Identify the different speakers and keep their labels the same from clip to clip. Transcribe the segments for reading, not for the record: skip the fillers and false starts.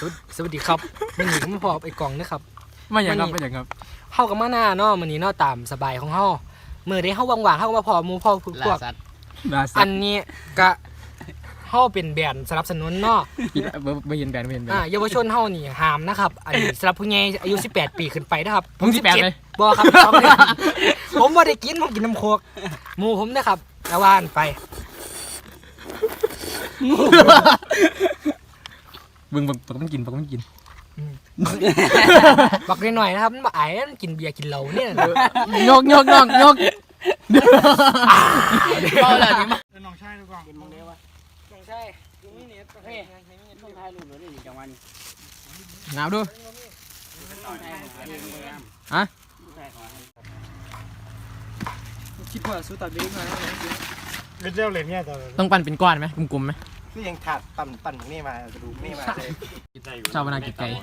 Speaker 1: สวัสดีครับมันนี่ก็มาพอไอ้กล่องนะครับ
Speaker 2: ไม่อย่างครับ
Speaker 1: เฮากับมาหน้าเนาะมื้อนี้เนาะตามสบายของเฮามื้อใดเฮาว่างๆเฮาก็มาพอหมู่พอพวกอันนี้ก็เฮาเป็นแบรนด์สนับสนุนเนาะ
Speaker 2: ไม่เห็นแบน
Speaker 1: เยาวชนเฮานี่ห้ามนะครับอันนี้สำหรับผู้ใหญ่อายุ18ปีขึ้นไปนะครับ
Speaker 2: ผม18เลย
Speaker 1: บ่ครับผมบ่ได้กินผมกินน้ำโคกหมู่ผมนะครับระวานไป
Speaker 2: บึงปักมันกิน
Speaker 1: บักหน่อยๆนะครับมันบ่อายมันกินเบียร์กินเหล้าเนี่ย
Speaker 2: ยก
Speaker 3: เอาเลยนี่มา
Speaker 4: น้องชายดูก่อน
Speaker 3: เป็นมึงเด้วะ
Speaker 1: น้องชายกูมีเน็ตเฮ้ย
Speaker 3: ต้องถ่ายรูปเลยนี่จังหวะนี้
Speaker 2: หนาวดู
Speaker 3: ต้องถ่าย
Speaker 2: ฮะ
Speaker 1: คิดว่าสู้ตัดเล็กมาแล้ว
Speaker 4: เป็นเจ้าเหรียญเนี่ยต่อ
Speaker 2: ต้องปั่นเป็นก้อนไหมกลมๆไหม
Speaker 4: คือยังถาดปั่นนี่มากระดูกนี่มาเลย
Speaker 2: ชาวนากิจไก่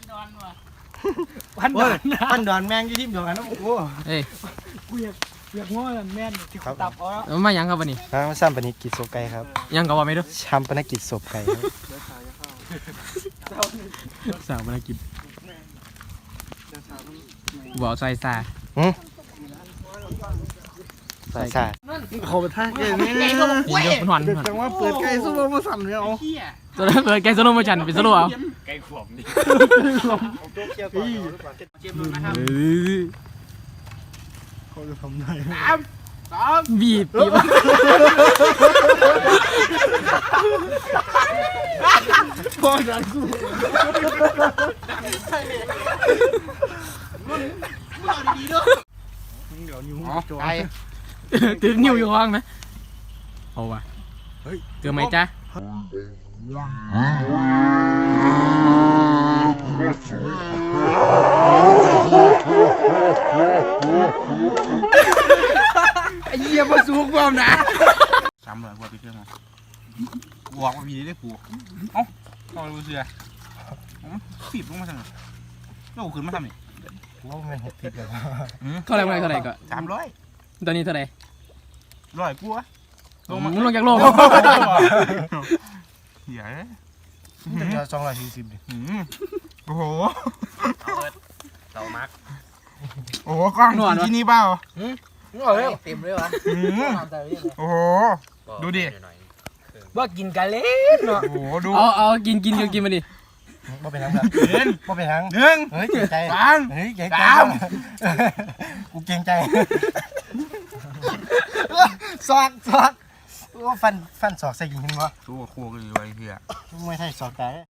Speaker 4: ปั่นดอนแมงยี่ทิมเดียวกันนะโอ้โห
Speaker 2: เอ้ย
Speaker 1: กูอยากง้อแม่นที่เขาตับอ๋อ
Speaker 2: มายังครับวันนี้
Speaker 4: มาซ้ำปนิกิจศพไก่ครับ
Speaker 2: ยังก็ว่าไม่รู้
Speaker 4: ช้ำปนกิจศพไก่ครับ
Speaker 2: สาวนากิจบอกใส่ซา
Speaker 4: สายสายเขาไปท่าเก่งนี่
Speaker 2: ยิงยกหอน
Speaker 4: จังว่าเปิดไก่สู้มาสั่นเลยเอา
Speaker 2: ตัวนั้นเลยแกสโลว์โมชั่นเป็นสโลว์เอา
Speaker 3: ไก่ขวบนี่
Speaker 4: เกี่ยวก่อน
Speaker 3: เจ็บมือนะครับ
Speaker 4: เขาจะทำได้
Speaker 2: บีบ
Speaker 4: พ่อดันกู เดี๋ยวนิ้วจอย
Speaker 2: ตึงนิ้วอยู่ห้องไหมเอาว่ะเฮ้ยเจอไหมจ๊ะ
Speaker 3: ไอ้เหี้ยมาสูงกว่านะ
Speaker 4: ซ้ำเลยพวกพี่เชื่อมั้ยบอกว่ามีได้ผูเอ้าต้องรู้เสือฟีบลงมาสั่งโอ้ขึ้นมาทำนี่โอ้ไม่ผิดเลย
Speaker 2: เท่าไหร่ก็
Speaker 4: 300
Speaker 2: ตอนนี้เท่าไหร่
Speaker 4: 100กูอะ
Speaker 2: มึงลงจากโลก
Speaker 4: เหี้ยจะ240ดิโอ้โห
Speaker 3: เต่ามัก
Speaker 4: โอ้โหกล้องที่นี่เปล่า
Speaker 1: เต็มเลยวะ
Speaker 4: โอ้โหดูดิ
Speaker 1: ว่ากินกันเล่นเนาะ
Speaker 4: โอ้โหดู
Speaker 2: เอากินมาดิ
Speaker 4: บ่เป็นทางครับบ่เป็นทาง1เฮ้ยเก่งใจเฮ้ยเก่งใจกูเก่งใจซอกว่าฟันศอกใส่กินบ่ตัวโคกันอยู่ไอ้เหี้ยไม่ใช่ศอกไก่